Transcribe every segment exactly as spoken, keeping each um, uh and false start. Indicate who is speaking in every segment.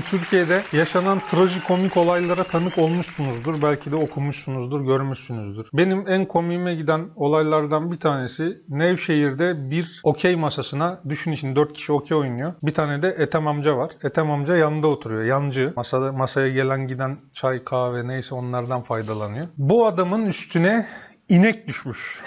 Speaker 1: Türkiye'de yaşanan trajikomik olaylara tanık olmuşsunuzdur. Belki de okumuşsunuzdur, görmüşsünüzdür. Benim en komiğime giden olaylardan bir tanesi Nevşehir'de bir okey masasına, düşün için dört kişi okey oynuyor. Bir tane de Ethem amca var. Ethem amca yanında oturuyor. Yancı. Masada, masaya gelen giden çay, kahve neyse onlardan faydalanıyor. Bu adamın üstüne inek düşmüş.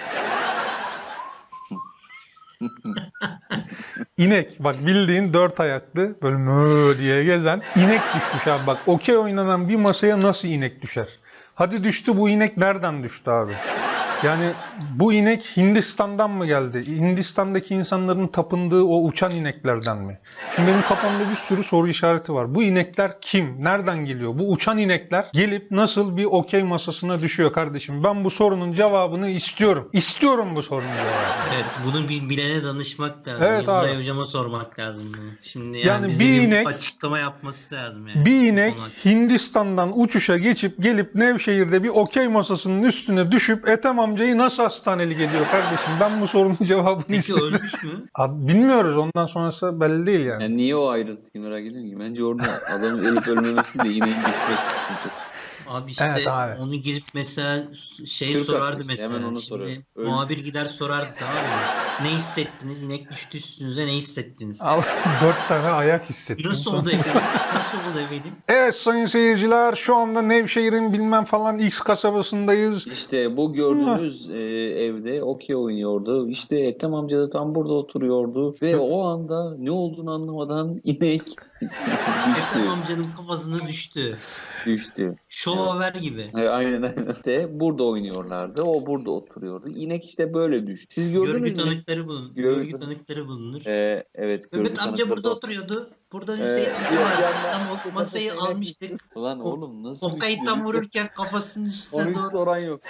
Speaker 1: İnek. Bak bildiğin dört ayaklı böyle mö diye gezen inek düşmüş abi. Bak okey oynanan bir masaya nasıl inek düşer? Hadi düştü, bu inek nereden düştü abi? Yani bu inek Hindistan'dan mı geldi? Hindistan'daki insanların tapındığı o uçan ineklerden mi? Şimdi benim kafamda bir sürü soru işareti var. Bu inekler kim? Nereden geliyor? Bu uçan inekler gelip nasıl bir okey masasına düşüyor kardeşim? Ben bu sorunun cevabını istiyorum. İstiyorum bu sorunun cevabını.
Speaker 2: Evet, bunu bir bilene danışmak lazım.
Speaker 1: Evet
Speaker 2: Yıldıray
Speaker 1: abi.
Speaker 2: Hocama sormak lazım bunu. Şimdi yani,
Speaker 1: Yani
Speaker 2: bize
Speaker 1: bir
Speaker 2: bir
Speaker 1: inek-
Speaker 2: açıklama yapması lazım yani.
Speaker 1: Bir
Speaker 2: bu
Speaker 1: inek
Speaker 2: konu hakkında.
Speaker 1: Hindistan'dan uçuşa geçip gelip Nevşehir'de bir okey masasının üstüne düşüp Ethem amcayı nasıl hastanelik ediyor kardeşim? Ben bu sorunun cevabını
Speaker 2: Peki
Speaker 1: istiyorum.
Speaker 2: ölmüş mü?
Speaker 1: Ad- Bilmiyoruz, ondan sonrası belli değil yani.
Speaker 3: Yani niye o ayrıntıyı merak ediyorum ki? Bence orada adamın ölüp ölmemesi de ineğin düşmesi sıkıntı.
Speaker 2: Abi işte
Speaker 1: Evet abi.
Speaker 2: onu girip mesela şey
Speaker 3: Türk
Speaker 2: sorardı
Speaker 3: haklı işte,
Speaker 2: mesela.
Speaker 3: hemen onu
Speaker 2: Şimdi
Speaker 3: soruyor. Öl-
Speaker 2: muhabir gider sorardı, tamam mı? Ne hissettiniz? İnek düştü üstünüze, ne hissettiniz?
Speaker 1: Al, dört tane ayak hissettim.
Speaker 2: Nasıl oldu efendim? Nasıl oldu efendim?
Speaker 1: Evet sayın seyirciler, şu anda Nevşehir'in bilmem falan X kasabasındayız.
Speaker 3: İşte bu gördüğünüz e, evde okey oynuyordu. İşte Ethem amca da tam burada oturuyordu. Ve o anda ne olduğunu anlamadan inek düştü.
Speaker 2: Ethem amcanın kafasına düştü.
Speaker 3: Düştü.
Speaker 2: Şover gibi.
Speaker 3: E, aynen aynen. De burada oynuyorlardı. O burada oturuyordu. İnek işte böyle düştü. Siz gördünüz
Speaker 2: Görgü
Speaker 3: mü?
Speaker 2: tanıkları bulunur.
Speaker 3: Görgü-
Speaker 2: Görgü tanıkları bulunur.
Speaker 3: E, evet. görgü
Speaker 2: Mehmet amca
Speaker 3: tanıkları
Speaker 2: burada
Speaker 3: da-
Speaker 2: oturuyordu. Burada
Speaker 3: E,
Speaker 2: Hüseyin
Speaker 3: bir
Speaker 2: amca vardı.
Speaker 3: yandan
Speaker 2: Tam o
Speaker 3: kafasına
Speaker 2: masayı
Speaker 3: inek
Speaker 2: almıştık.
Speaker 3: düştü. Lan oğlum nasıl
Speaker 2: O
Speaker 3: düştü?
Speaker 2: kayıttan vururken kafasının üstüne
Speaker 3: Onu hiç
Speaker 2: doğru.
Speaker 3: soran yok.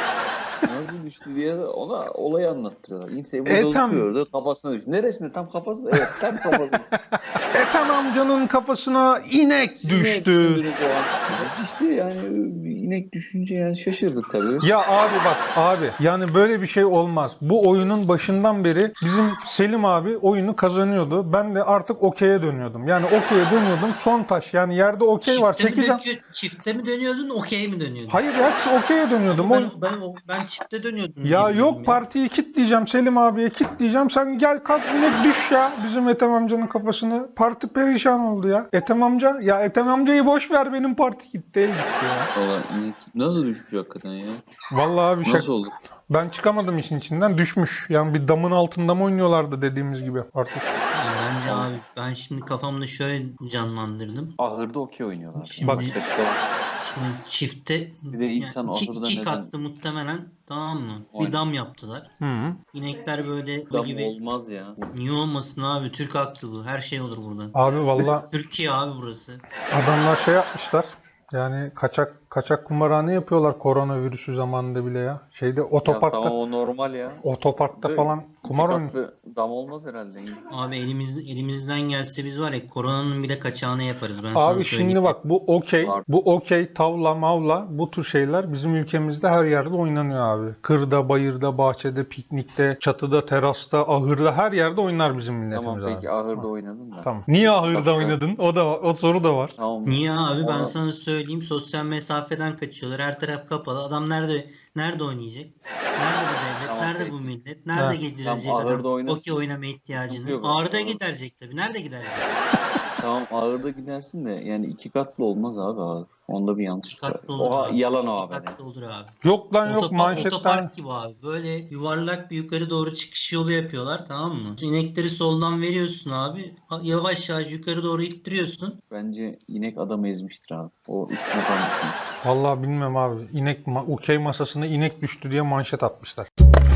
Speaker 3: Nasıl düştü diye ona olayı anlattırıyorlar. İnse burada
Speaker 1: Ethem-
Speaker 3: oturuyordu, kafasına düştü. Neresinde? Tam kafasında. Evet, tam kafasında.
Speaker 1: Ethem amcanın kafasına inek
Speaker 3: Siz ne
Speaker 1: düştü.
Speaker 3: düşündünüz o an? Biz işte yani inek düşünce yani şaşırdık tabii.
Speaker 1: Ya abi bak abi, yani böyle bir şey olmaz. Bu oyunun başından beri bizim Selim abi oyunu kazanıyordu. Ben de artık okey'e dönüyordum. Yani okey'e dönüyordum. Son taş, yani yerde okey var.
Speaker 2: Çifte mi,
Speaker 1: Çekeceğim.
Speaker 2: dökü- çifte mi dönüyordun, okey mi dönüyordun?
Speaker 1: Hayır ya, okey'e dönüyordum.
Speaker 2: ben,
Speaker 1: O-
Speaker 2: ben, o- ben çifte dönüyordum.
Speaker 1: Ya
Speaker 2: gibi
Speaker 1: yok,
Speaker 2: dedim
Speaker 1: partiyi kitleyeceğim, Selim abiye kitleyeceğim. Sen gel kalk inek düş ya. Bizim Ethem amcanın kafasına. Parti perişan oldu ya. Ethem amca, ya Ethem amcayı boş ver, benim parti gitti. El gitti ya.
Speaker 3: Valla inek nasıl düşmüş hakikaten ya?
Speaker 1: Vallahi abi şaka.
Speaker 3: Nasıl oldu?
Speaker 1: Ben çıkamadım işin içinden, düşmüş. Yani bir damın altında mı oynuyorlardı dediğimiz gibi artık.
Speaker 2: Yani bence abi ben şimdi kafamda şöyle canlandırdım.
Speaker 3: Ahırda okey oynuyorlar.
Speaker 2: Şimdi-
Speaker 1: Bak.
Speaker 3: Başka var.
Speaker 2: Şimdi çifte
Speaker 3: Bir de insan
Speaker 2: yani iki,
Speaker 3: ahırda
Speaker 2: iki
Speaker 3: neden-
Speaker 2: katlı muhtemelen, tamam mı?
Speaker 3: Aynen.
Speaker 2: Bir dam yaptılar.
Speaker 1: Hı -hı.
Speaker 2: İnekler böyle bu
Speaker 3: Dam
Speaker 2: gibi.
Speaker 3: olmaz ya.
Speaker 2: Niye olmasın abi? Türk haklı bu. Her şey olur burada.
Speaker 1: Abi valla
Speaker 2: Türkiye abi burası.
Speaker 1: adamlar şey yapmışlar. Yani kaçak kaçak kumarhane yapıyorlar koronavirüsü zamanında bile ya. Şeyde
Speaker 3: Ya
Speaker 1: otoparkta
Speaker 3: tamam o normal ya.
Speaker 1: otoparkta
Speaker 3: Ve
Speaker 1: falan kumar
Speaker 3: iki
Speaker 1: oynuyor.
Speaker 3: katlı dam olmaz herhalde.
Speaker 2: Abi elimiz elimizden gelse biz var ya koronanın bile kaçağını yaparız, ben sana
Speaker 1: Abi
Speaker 2: söyleyeyim.
Speaker 1: şimdi bak, bu okey,
Speaker 3: Var.
Speaker 1: bu okey, tavla, mavla, bu tür şeyler bizim ülkemizde her yerde oynanıyor abi. Kırda, bayırda, bahçede, piknikte, çatıda, terasta, ahırda, her yerde oynar bizim milletimiz
Speaker 3: Tamam
Speaker 1: abi.
Speaker 3: peki ahırda oynadın da.
Speaker 1: Tamam. Niye ahırda
Speaker 3: Tatlı.
Speaker 1: oynadın? O da o soru da var.
Speaker 3: Tamam.
Speaker 2: Niye abi, ben
Speaker 3: Ona-
Speaker 2: sana söyleyeyim, sosyal mesafeden kaçıyorlar. Her taraf kapalı. Adam nerede nerede oynayacak? Nerede bu devlet?
Speaker 3: Tamam,
Speaker 2: nerede
Speaker 3: peki.
Speaker 2: bu millet? Nerede
Speaker 1: Ha.
Speaker 2: geçirecek
Speaker 3: Tamam, ahırda
Speaker 2: adam
Speaker 3: oynasın.
Speaker 2: okey oynama ihtiyacını?
Speaker 3: Yok,
Speaker 2: Ağrı'da
Speaker 3: ahır-
Speaker 2: giderecek tabii. Nerede giderecek?
Speaker 3: Tamam ağırda gidersin de yani iki katlı olmaz abi ağır. Onda bir yanlış
Speaker 2: İki
Speaker 3: var.
Speaker 2: katlı olur
Speaker 3: Oha
Speaker 2: abi.
Speaker 3: yalan o
Speaker 2: İki
Speaker 3: abi.
Speaker 2: katlı olur abi.
Speaker 1: Yok lan yok,
Speaker 2: Otopark,
Speaker 1: manşetten.
Speaker 2: otopark gibi abi. Böyle yuvarlak bir yukarı doğru çıkış yolu yapıyorlar, tamam mı? İnekleri soldan veriyorsun abi. Yavaş yavaş yukarı doğru ittiriyorsun.
Speaker 3: Bence inek adamı ezmiştir abi. O üstüne kalmıştır.
Speaker 1: Vallahi bilmem abi. İnek ma- okey masasına inek düştü diye manşet atmışlar.